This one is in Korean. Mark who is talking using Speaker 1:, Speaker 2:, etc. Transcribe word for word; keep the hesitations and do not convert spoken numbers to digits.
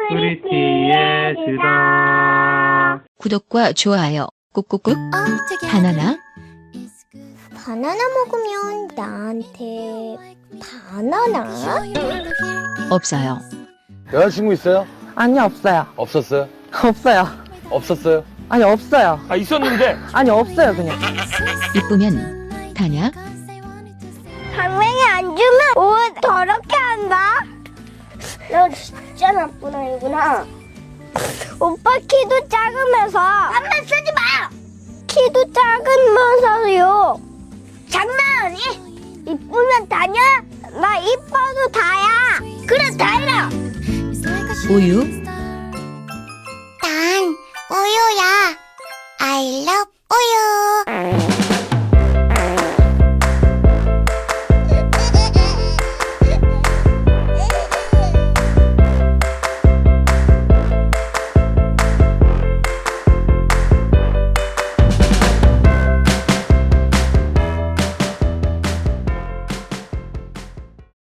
Speaker 1: 프리티의 수다.
Speaker 2: 구독과 좋아요 꾹꾹꾹. 바나나
Speaker 3: 바나나 먹으면 나한테 바나나?
Speaker 2: 없어요.
Speaker 4: 여자친구 있어요?
Speaker 5: 아니요, 없어요.
Speaker 4: 없었어요?
Speaker 5: 없어요.
Speaker 4: 없었어요?
Speaker 5: 아니, 없어요.
Speaker 6: 아 있었는데
Speaker 5: 아니, 없어요, 그냥.
Speaker 2: 이쁘면 다냐?
Speaker 3: 당맹이 안 주면 옷 더럽게 한다? 너 진짜 나쁜 아이구나. 오빠 키도 작으면서 한번 쓰지 마! 키도 작으면서요. 장난하니? 이쁘면 다냐? 나 이뻐도 다야. 그래, 다이라.
Speaker 2: 우유